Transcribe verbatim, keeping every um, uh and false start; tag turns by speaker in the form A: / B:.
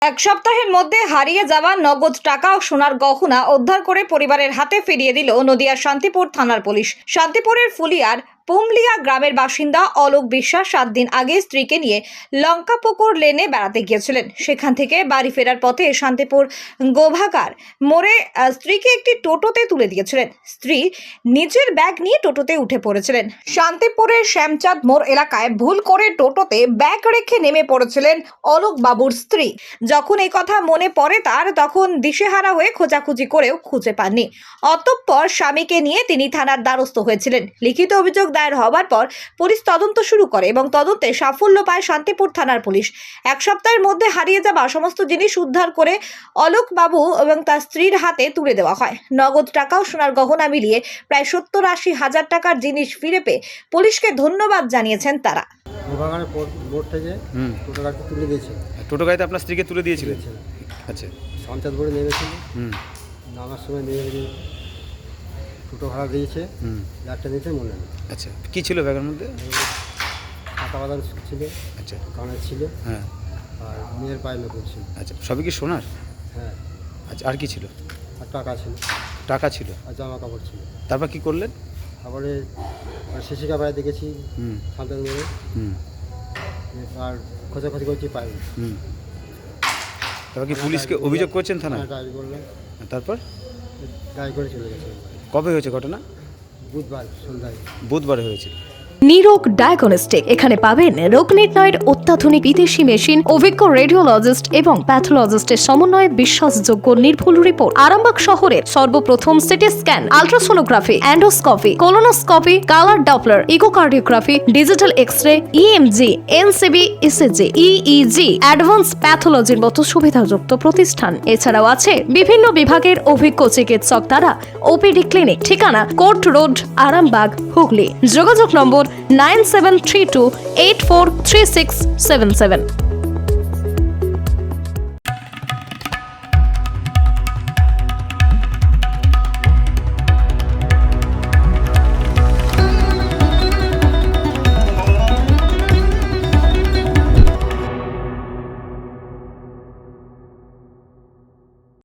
A: এক সপ্তাহের মধ্যে হারিয়ে যাওয়া নগদ টাকা ও সোনার গহনা উদ্ধার করে পরিবারের হাতে ফিরিয়ে দিল নদিয়ার শান্তিপুর থানার পুলিশ। শান্তিপুরের ফুলিয়ার পুমলিয়া গ্রামের বাসিন্দা অলোক বিশ্বাস সাত দিন আগে স্ত্রীকে নিয়ে লঙ্কাপুকুর লেনে বেড়াতে গিয়েছিলেন। সেখান থেকে বাড়ি ফেরার পথে শান্তিপুর গোভাগার মোড়ে স্ত্রীকে একটি টোটোতে তুলে দিয়েছিলেন। স্ত্রী নিজের ব্যাগ নিয়ে টোটোতে উঠে পড়েছিলেন। শান্তিপুরের শ্যামচাঁদ মোড় এলাকায় ভুল করে টোটোতে ব্যাগ রেখে নেমে পড়েছিলেন অলোক বাবুর স্ত্রী। যখন এই কথা মনে পড়ে তার, তখন দিশেহারা হয়ে খোঁজাখুঁজি করেও খুঁজে পাননি। অতঃপর স্বামীকে নিয়ে তিনি থানার দ্বারস্থ হয়েছিলেন। লিখিত অভিযোগ দায়ের হওয়ার পর পুলিশ তদন্ত শুরু করে এবং তদন্তে সাফল্য পায় শান্তিপুর থানার পুলিশ। এক সপ্তাহের মধ্যে হারিয়ে যাওয়া সমস্ত জিনিস উদ্ধার করে অলোক বাবু এবং তার স্ত্রীর হাতে তুলে দেওয়া হয়। নগদ টাকা ও সোনার গহনা মিলিয়ে প্রায় সত্তর আশি হাজার টাকার জিনিস ফিরে পেয়ে পুলিশকে ধন্যবাদ জানিয়েছেন তারা।
B: গোভাগানের বোর্ড থেকে টোটো গাড়িতে তুলে দিয়েছে।
C: টোটো গাড়িতে আপনার স্ত্রীকে তুলে দিয়েছিলেন? আচ্ছা।
B: পঞ্চায়েত বোর্ডে নেমেছিল,
C: হুম
B: নামার সময় নেমে টোটো ভাড়া দিয়েছে,
C: হুম
B: ব্যাগটা দিয়েছে মনে নেই।
C: আচ্ছা, কী ছিল ব্যাগের মধ্যে?
B: টাকা বাদাম ছিল,
C: আচ্ছা,
B: কানের ছিল,
C: হ্যাঁ,
B: আর মেয়ের পায়ে নতুন ছিল।
C: আচ্ছা, সবই কি সোনার?
B: হ্যাঁ।
C: আচ্ছা, আর কি ছিল?
B: আর টাকা ছিল।
C: টাকা ছিল
B: আর জামা কাপড় ছিল।
C: তারপর কি করলেন?
B: তারপরে শিশি কাপড়ে দেখেছি
C: হুম
B: শান্তান মেরে,
C: হুম
B: আর খোঁজাখুঁজি করছি পাইনি।
C: হুম তারপর কি পুলিশকে অভিযোগ করছেন থানায়?
B: ডায়েরি করলাম,
C: তারপর
B: ডায়েরি করে চলে গেছে।
C: কবে হয়েছে ঘটনা?
B: বুধবার সন্ধ্যায়।
C: বুধবারে হয়েছিল।
D: নিরোগ ডায়াগনস্টিক, এখানে পাবেন রোগ নির্ণয়ের অত্যাধুনিক বিদেশি মেশিন, অভিজ্ঞ রেডিওলজিস্ট এবং প্যাথোলজিস্টের সমন্বয়ে বিশ্বাসযোগ্য নির্ভুল রিপোর্ট। আরামবাগ শহরের সর্বপ্রথম CT scan, ultrasonography, endoscopy, colonoscopy, colour Doppler, echocardiography, digital X-ray, EMG, NCV, ECG, EEG, advance প্যাথোলজির মতো সুবিধাযুক্ত প্রতিষ্ঠান। এছাড়াও আছে বিভিন্ন বিভাগের অভিজ্ঞ চিকিৎসক দ্বারা ওপিডি ক্লিনিক। ঠিকানা কোর্ট রোড, আরামবাগ, হুগলি। যোগাযোগ number nine seven three two eight four three six seven seven.